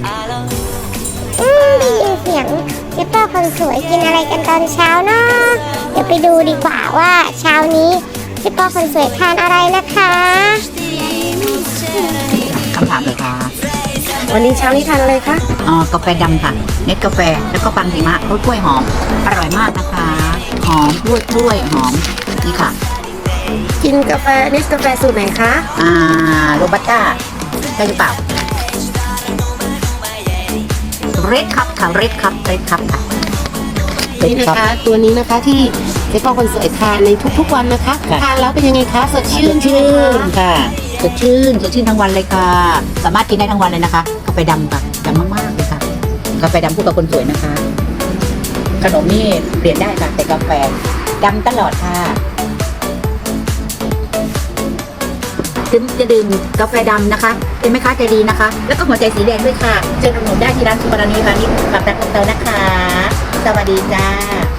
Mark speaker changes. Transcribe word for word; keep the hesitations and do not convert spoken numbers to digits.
Speaker 1: อืมได้ยินเสียงเจ๊เป้าคนสวยกินอะไรกันตอนเช้าเนาะเดี๋ยวไปดูดีกว่าว่าเช้านี้เจ๊เป้าคนสวยทานอะไรนะคะ
Speaker 2: คำถามเลยค่ะ
Speaker 3: วันนี้เช้านี้ทานอะไรคะ
Speaker 2: อ๋อกาแฟดำค่ะเน็ตกาแฟแล้วก็ปังหิมะรสกล้วยหอมอร่อยมากนะคะหอมกล้วยกล้วยหอมนี่ค่ะ
Speaker 3: กินกาแฟเนสกาแฟสูตรไหนคะ
Speaker 2: อ่าโรบัสต้าใช่หรือเปล่าเรดคัพค่ะเรดคัพเรดคัพค่ะ
Speaker 3: นี่นะคะตัวนี้นะคะที่เจ๊ป้าคนสวยทานในทุกๆวันนะคะทานแล้วเป็นยังไงคะสดชื่น
Speaker 2: ชื่นค่ะสดชื่นสดชื่นทั้งวันเลยค่ะสามารถกินได้ทั้งวันเลยนะคะกาแฟดำค่ะดำมากๆเลยค่ะกาแฟดำคู่กับคนสวยนะคะขนมนี่เปลี่ยนได้ค่ะแต่กาแฟดำตลอดค่ะถึงจะดื่มกาแฟดำนะคะเป็นแม่ค้าใจดีนะคะแล้วก็หัวใจสีแดงด้วยค่ะเจอหนุ่มได้ที่ร้านสุปราณีพาณิชย์ปากตะกงเตานะคะสวัสดีจ้า